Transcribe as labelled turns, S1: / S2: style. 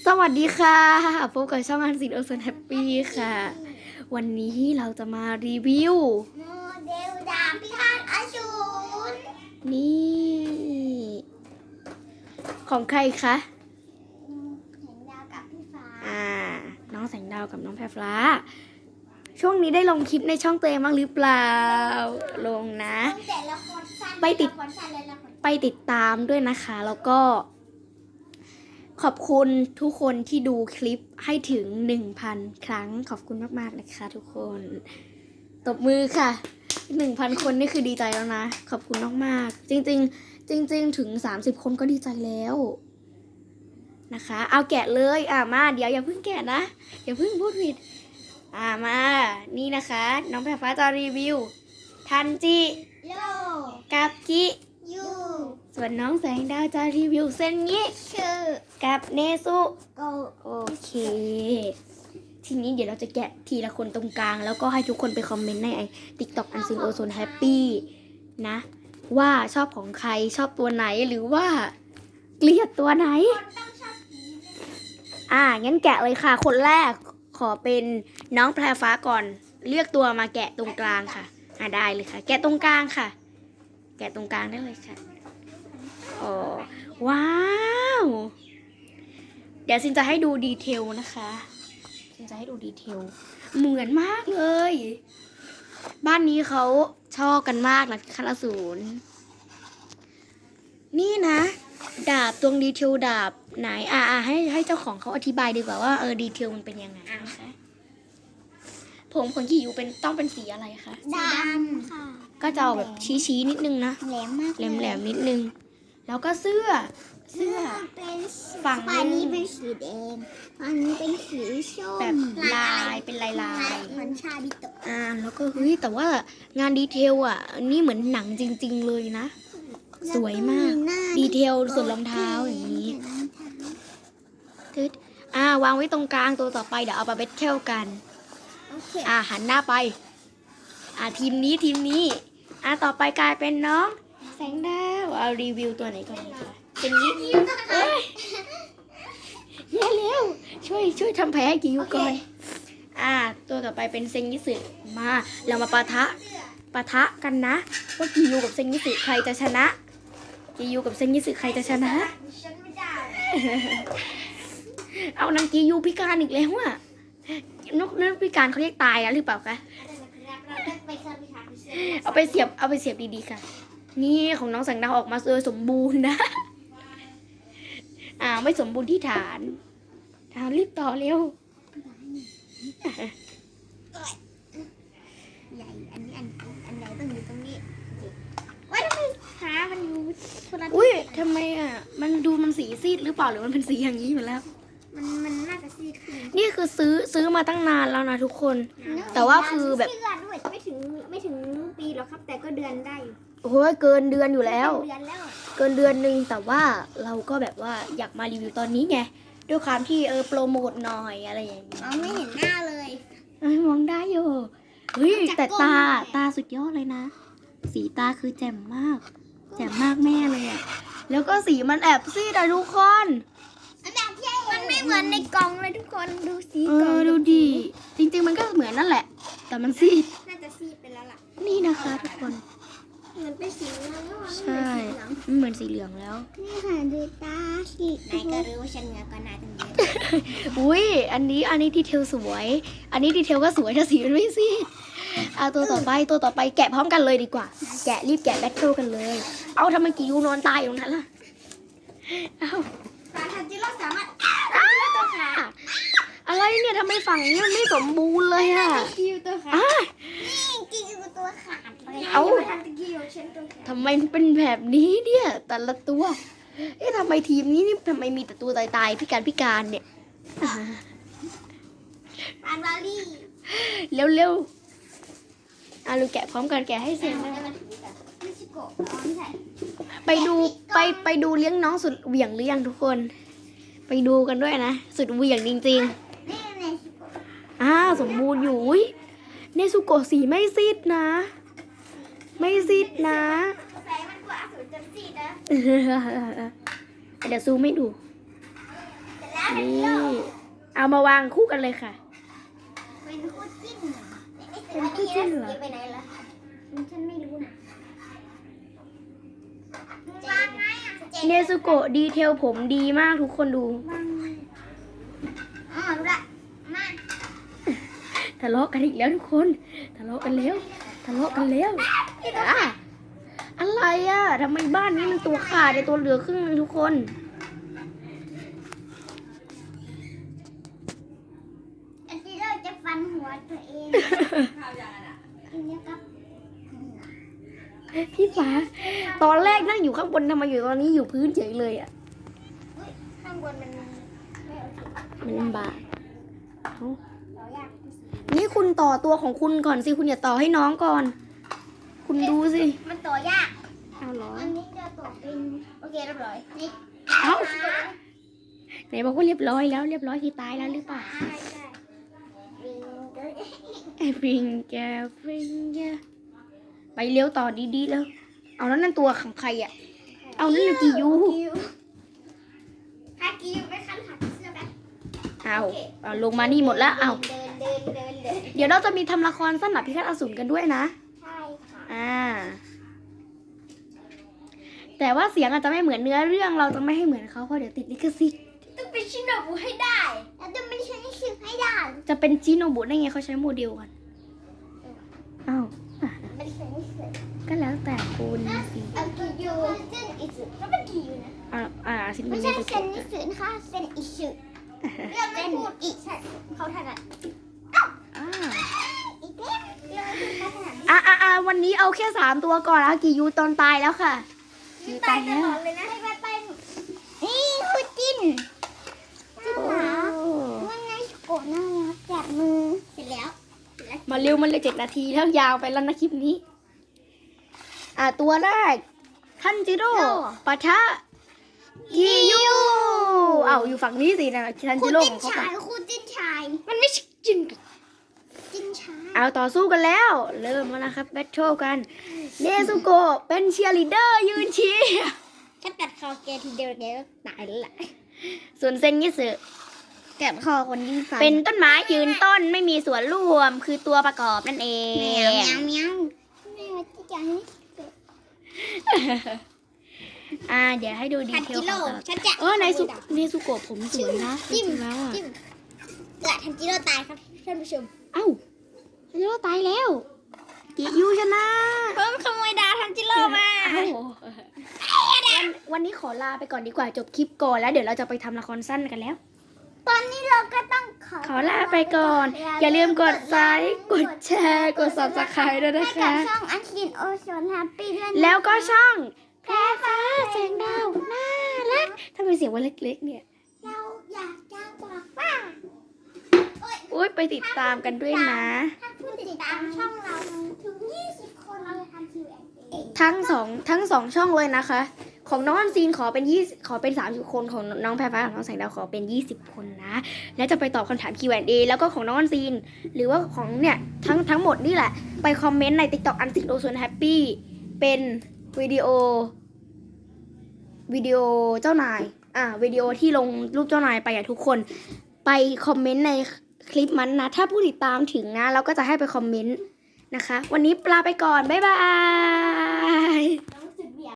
S1: สวัสดีค่ะพบกับช่องอันซินโอเซนแฮปปี้ค่ะวันนี้เราจะมารีวิว
S2: โมเดลดาบพิฆาตอสูร
S1: นี่ของใครคะ
S2: แสงดาวกับพี่ฟ้า
S1: น้องแสงดาวกับน้องแพรฟ้าช่วงนี้ได้ลงคลิปในช่องตัวเองบ้างหรือเปล่าลงนะ
S2: ตั้งแต่ละครสั้น
S1: ไปติด
S2: ละครสั้นและละคร
S1: ไปติดตามด้วยนะคะแล้วก็ขอบคุณทุกคนที่ดูคลิปให้ถึง 1,000 ครั้งขอบคุณมากๆนะคะทุกคนตบมือค่ะ 1,000 คนนี่คือดีใจแล้วนะขอบคุณมากๆจริงๆถึง30 คนก็ดีใจแล้วนะคะเอาแกะเลยมาเดี๋ยวอย่าเพิ่งแกะนะอย่าเพิ่งพูดผิดมานี่นะคะน้องแพรฟ้าจะรีวิวทันจิ
S2: โล
S1: กับกิ
S2: ยู
S1: ส่วนน้องแสงดาวจะรีวิวเส้นนี้
S2: ชื่อ
S1: กับเนซุ
S2: โก
S1: โอเคทีนี้เดี๋ยวเราจะแกะทีละคนตรงกลางแล้วก็ให้ทุกคนไปคอมเมนต์ในTikTok อันซินโอโซนแฮปปี้นะว่าชอบของใครชอบตัวไหนหรือว่าเกลียดตัวไหน
S2: คนต้องชอบผี
S1: งั้นแกะเลยค่ะคนแรกขอเป็นน้องแพรฟ้าก่อนเลือกตัวมาแกะตรงกลางค่ะได้เลยค่ะแกะตรงกลางค่ะแกะตรงกลางได้เลยค่ะอ๋อว้าวเดี๋ยวซินจะให้ดูดีเทลนะคะซินจะให้ดูดีเทลเหมือนมากเลยบ้านนี้เขาชอบกันมากนะคณะศูนย์นี่นะดาบตรงดีเทลดาบไหนให้เจ้าของเขาอธิบายดีกว่าว่าดีเทลมันเป็นยังไงนะคะผมขนขี่อยู่ต้องเป็นสีอะไรคะ
S2: ดำค่ะ
S1: ก็จะเอาแบบชี้นิดนึงนะ
S2: แหลมมาก
S1: แหลมนิดนึงแล้วก็เสื้อ
S2: เป็น
S1: ฝั่ง
S2: อันนี้เป็นสีแดงอันนี้เป็นสีส้ม
S1: แบบลายเป็นลาย
S2: เหมือนชาบิโตะ
S1: แล้วก็เฮ้ยแต่ว่างานดีเทลนี่เหมือนหนังจริงๆเลยนะสวยมากดีเทลส่วนรองเท้าอย่างนี้ทึดวางไว้ตรงกลางตัวต่อไปเดี๋ยวเอามาเบทเทลกัน
S2: โอเค
S1: หันหน้าไปทีมนี้ต่อไปกลายเป็นน้องแสงดาวเอารีวิวตัวไหนก่อนดีกว่าเป็นนี้เอ้ยแย่แล้วช่วยทำแผลให้กิยุก่อนตัวต่อไปเป็นเซงยิสึมาเรามาปะทะกันนะว่ากิยุกับเซงยิสึใครจะชนะกิยุกับเซงยิสึใครจะชนะ
S2: ฉันไม่ได้
S1: เอานางกิยุพิการอีกแล้วนกพิการเขาเรียกตายแล้วหรือเปล่าคะเอาไปเสียบดีๆค่ะนี่ของน้องแสงดาวออกมาโดยสมบูรณ์นะไม่สมบูรณ์ที่ฐานรีบต่อเร็ว
S2: ใหญ่อันนี้อันใหญ่ต้องอยู่ตรงนี้ว่าทำไมขามันอยู่คนละ
S1: อุ้ยทำไมมันสีซีดหรือเปล่าหรือมันเป็นสีอย่างนี้อยู่แล้ว
S2: มันน่าจะซีดขึ้น
S1: นี่คือซื้อมาตั้งนานแล้วนะทุกคน แต่ว่าคือแบบ
S2: เชื่อด้วยไม่ถึงปีหรอกครับ แต่ก็เดือนได้อยู่
S1: โอ้ยเกินเดือนอยู่แล้ว
S2: เดือนแล้ว
S1: เกินเดือนนึงแต่ว่าเราก็แบบว่าอยากมารีวิวตอนนี้ไงด้วยความที่โปรโมทหน่อยอะไรอย่างนี้
S2: ไม่เห็นหน้าเลย
S1: มองได้อยู่เฮ้ยแต่ตาสุดยอดเลยนะสีตาคือแจ่มมากแม่เลยแล้วก็สีมันแอบซีดทุกคน
S2: มันไม่เหมือนในกล่องเลยทุกคนดูสีกล่อง
S1: ดูดีจริงๆมันก็เหมือนนั่นแหละแต่มันซีด
S2: น่าจะซีดไปแล้วล่ะ
S1: นี่นะคะทุกคน
S2: เหมือนเป็นสีเหลืองแล้ว
S1: ใช่มันเหมือนสีเหลืองแล้ว
S2: นี่ค่ะดูตาสินายก็รู้ว่าฉันเหนือกว่านายตั้งเยอะ
S1: อุ้ยอันนี้ดีเทลสวย อันนี้ดีเทลก็สวยถ้าสีมันไม่ซีดตัวต่อไปแกะพร้อมกันเลยดีกว่า รีบแกะแบทเทิลกันเลย เอาทำไมกิยูนอนตายอยู่นั้นล่ะเอา
S2: สารทันจิโร่สามารถ
S1: อะไรเนี่ยทำไมฝั่งนี้มันไม่สมบูรณ์เลย
S2: กิวตัวขาดนี่กิวตัวขาดเลยทันจิกิวฉันตัวขาด
S1: ทำไมมันเป็นแบบนี้เนี่ย แต่ละตัวทำไมทีมนี้นี่ทำไมมีแต่ตัวตายพิการเนี่ย
S2: ปานวาลี่
S1: เร็วลูกแกะพร้อมกันแกะให้เสร็จนะ
S2: มิชิโกะไม่ใช่
S1: ไปดูเลี้ยงน้องสุดเหวี่ยงหรือยังทุกคน ไปดูกันด้วยนะสุดเหวี่ยงจริงๆ
S2: นี่เนชิโกะ
S1: สมบูรณ์อยู่เนซุโกะสีไม่ซีดนะ ไม่ซีดนะ
S2: แสงมันกว่าอสูรจนซีดนะ
S1: เดี๋ยวซูมไม่ดู
S2: เสร็จแล้ว
S1: นี่เอามาวางคู่กันเลยค่ะ
S2: เป็นคู่จิ้นเป็นคู่จิ้นเหรอไปไหนล่ะฉันไม่รู้นะวางไงอ่ะ
S1: เนซุโกะดีเทลผมดีมากทุกคนดู
S2: วางไงอ๋อรู้ละมา
S1: ทะเลาะกันอีกแล้วทุกคนทะเลาะกันแล้วอ่ะอะไรอ่ะทำไมบ้านนี้มันตัวขาดในตัวเหลือครึ่งนึงทุกคน
S2: อันที่เราจะฟันหัวตัวเองอันนี้ครับ
S1: พี่ฟ้าตอนแรกนั่งอยู่ข้างบนทำไมอยู่ตอนนี้อยู่พื้นเฉยเลยอ่ะ
S2: ข้างบนมันไม่โอเค
S1: มันลำบากเอ้า
S2: เรายาก
S1: นี่คุณต่อตัวของคุณก่อนสิคุณอย่าต่อให้น้องก่อน คุณดูสิ
S2: มันตัวยาก
S1: เอาเหรอ
S2: อันนี้จะต่อเป็นโอเคเรียบร้อยนี่
S1: เอ้าไหนบอกว่าเรียบร้อยแล้วเรียบร้อยคือตายแล้วหรือเปล่า
S2: ใช่วิงเกอร์
S1: ไอ้ฟิงแกไปเลี้ยวต่อดีๆแล้ว เอาแล้วนั่นตัวของใครอ่ะ เอานั่นนะกิยู
S2: ฮากิวไปคันหักเสื้อแบบ
S1: เอาลงมานี่หมดแล้วเอา
S2: เดิน
S1: เดี๋ยวเราจะมีทำละครสั้นหนับพิฆาตอสูรกันด้วยนะ
S2: ใช่ค่ะ
S1: แต่ว่าเสียงอาจจะไม่เหมือนเนื้อเรื่องเราจะไม่ให้เหมือนเขาเพราะเดี๋ยวติดลิขสิทธิ์
S2: ต้องเป็นชินโนบุให้ได้แล้วต้องเป็นชินชิให้ได้
S1: จะเป็นจิโนบุได้ไงเขาใช้โมเดลกันอ้าว
S2: เป็นชินชิ
S1: ก็แล้วแต่คุณสิ
S2: เอากิยูเซนอิสึก็เป็นกิยูนะ
S1: สิ
S2: ไม่
S1: น
S2: ใช่
S1: ไป
S2: เซนนิสึนะคะเซนอิสึเรื่องไม่พูดอีกใช่เขาถนัดอีกเรื่องไม่พูดเขาถนัด
S1: วันนี้เอาแค่3ตัวก่อนอากิยูตอนตายแล้วค่ะ
S2: ตายตลอดเลยนะไปนี่คู่จิ้นจิ้นหมาว่าไงโกรธน่ารักจับมือเสร็จแล้ว
S1: มาเร็วมันเลย7 นาทีแล้วยาวไปแล้วนะคลิปนี้ ตัวแรกทันจิโร่ปะทะกิยูอยู่ฝั่งนี้สินะทันจิ
S2: คู่
S1: โร่
S2: จิ้
S1: ข
S2: น
S1: องเขา
S2: ชา
S1: ไป
S2: ยคู่จิ้นชาย
S1: มันไม่ใช่จิน
S2: จิ้นชาย
S1: เอาต่อสู้กันแล้ว เริ่มแล้วนะครับแบทเทิลกันเนซุโกะเป็นเชียร์ลีดเดอร์ยืนเชียร์
S2: ถ้ากัดคอแกทีเดียวแกก็ตายแล้วแหละ
S1: ส่วนเซนยิสึ
S2: กัดคอคนยิ่งฟัน
S1: เป็นต้นไม้ยืนต้นไม่มีส่วนร่วมคือตัวประกอบนั่นเอง
S2: แมวแมวแมวที่จะให้
S1: เดี๋ยวให้ดูดี
S2: ทัน
S1: เท
S2: จิ
S1: ล
S2: โร่
S1: ของ
S2: ฉันจะ
S1: เนซุโกะผมสวยนะจ
S2: จิ้
S1: ริ
S2: ม
S1: งๆแล้วอ่ะ
S2: จิ้มทันจิโร่ตายครับท่านผู้ชม
S1: เอ้าทันจิโร่ตายแล้วกิยูชนะ
S2: เพิ่มขโมยดาวทันจิโร่มา
S1: เอ้าวันนี้ขอลาไปก่อนดีกว่าจบคลิปก่อนแล้วเดี๋ยวเราจะไปทำละครสั้นกันแล้ว
S2: ตอนนี้เราก็ต้อง
S1: ขอลาไปก่อน อย่าลืมกดไลค์กดแชร์กด Subscribe ด้วยนะ
S2: ให้กับ
S1: คะ
S2: ช่องอันคินโอโซนแฮปปี้ด้วยนะ
S1: แล้วก็ช่องแพรฟ้าแสงดาวน่ารักทำไมเสียงว่าเล็กๆเนี่ย
S2: เราอยากจะบอกว่า
S1: อุ้ยไปติดตามกันด้วยนะ
S2: ถ้าผู้ติดตามช่องเราถึง20 คนเราจะทำ Q&A
S1: ทั้งสองช่องเลยนะคะ ของน้องอันซีนขอเป็น30 คนของน้องแพรฟ้าของน้องแสงดาวขอเป็น20 คนนะ แล้วจะไปตอบคำถาม Q&A แล้วก็ของน้องอันซีนหรือว่าของเนี่ยทั้งหมดนี่แหละไปคอมเมนต์ใน TikTok อันซีนโอส่วนแฮปปี้เป็นวิดีโอเจ้านายวิดีโอที่ลงรูปเจ้านายไปทุกคนไปคอมเมนต์ในคลิปมันนะถ้าผู้ติดตามถึงนะเราก็จะให้ไปคอมเมนต์นะคะวันนี้ลาไปก่อนบ๊ายบาย